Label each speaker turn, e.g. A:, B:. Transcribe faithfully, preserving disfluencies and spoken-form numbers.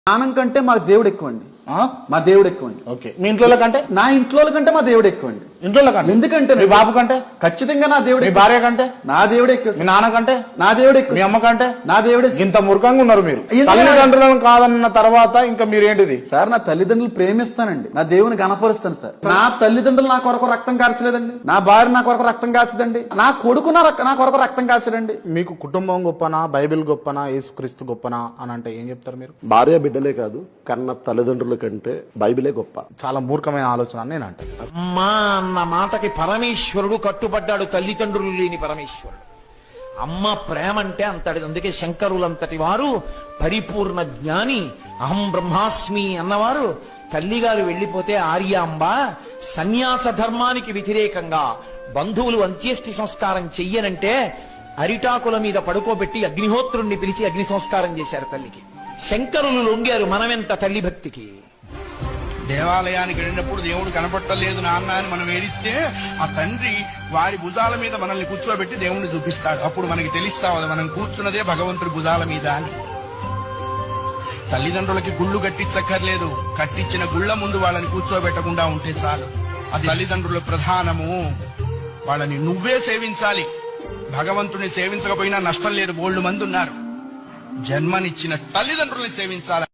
A: ప్రాణం కంటే మా దేవుడు ఎక్కువండి. మా దేవుడు ఎక్కువండి.
B: ఓకే, మీ ఇంట్లో కంటే?
A: నా ఇంట్లో కంటే మా దేవుడు ఎక్కువండి.
B: ఇంట్లో కంటే?
A: ఎందుకంటే
B: మీ బాబు కంటే?
A: ఖచ్చితంగా నా దేవుడు.
B: మీ భార్య కంటే?
A: నా దేవుడు ఎక్కువ.
B: మీ నాన్న కంటే?
A: నా దేవుడు ఎక్కువ.
B: మీ అమ్మ కంటే?
A: నా దేవుడే.
B: ఇంత మురుకంగా ఉన్నారు మీరు. తల్లిదండ్రులను కాదన్న తర్వాత ఇంకా మీరు ఏంటిది
A: సార్? నా తల్లిదండ్రులు ప్రేమిస్తానండి, నా దేవుని గణపరుస్తాను సార్. నా తల్లిదండ్రులు నా కొరకు రక్తం కార్చలేదండి, నా భార్య నా కొరకు రక్తం కాచదండి, నా కొడుకు నా నా కొరకు రక్తం కాచడండి.
B: మీకు కుటుంబం గొప్పనా, బైబిల్ గొప్పనా, యేసుక్రీస్తు గొప్పనా అని అంటే ఏం చెప్తారు మీరు?
C: భార్య బిడ్డలే కాదు, కన్న తల్లిదండ్రుల కంటే బైబిలే గొప్ప.
B: చాలా మూర్ఖమైన ఆలోచన అని నేను అంటే.
D: అమ్మా అన్న మాటకి పరమేశ్వరుడు కట్టుబడ్డాడు, తల్లిదండ్రులు లేని పరమేశ్వరుడు. అమ్మ ప్రేమ అంటే అంతటి. అందుకే శంకరులంతటి వారు పరిపూర్ణ జ్ఞాని, అహం బ్రహ్మాస్మి అన్నవారు తల్లిగారు వెళ్లిపోతే ఆర్యాంబ సన్యాస ధర్మానికి వ్యతిరేకంగా బంధువులు అంత్యేష్టి సంస్కారం చెయ్యనంటే అరిటాకుల మీద పడుకోబెట్టి అగ్నిహోత్రుణ్ణి పిలిచి అగ్ని సంస్కారం చేశారు తల్లికి. శంకరులు లొంగారు మనమెంత తల్లి భక్తికి.
E: దేవాలయానికి వెళ్ళినప్పుడు దేవుడు కనపట్టలేదు నాన్న అని మనం ఏడిస్తే ఆ తండ్రి వారి భుజాల మీద మనల్ని కూర్చోబెట్టి దేవుణ్ణి చూపిస్తాడు. అప్పుడు మనకి తెలుస్తావు మనం కూర్చున్నదే భగవంతుడి భుజాల మీద అని. తల్లిదండ్రులకి గుళ్ళు కట్టించక్కర్లేదు, కట్టించిన గుళ్ళ ముందు వాళ్ళని కూర్చోబెట్టకుండా ఉంటే చాలు. అది తల్లిదండ్రుల ప్రధానము. వాళ్ళని నువ్వే సేవించాలి. భగవంతుని సేవించకపోయినా నష్టం లేదు, బోల్డు మంది ఉన్నారు. జన్మనిచ్చిన తల్లిదండ్రుల్ని సేవించాలి.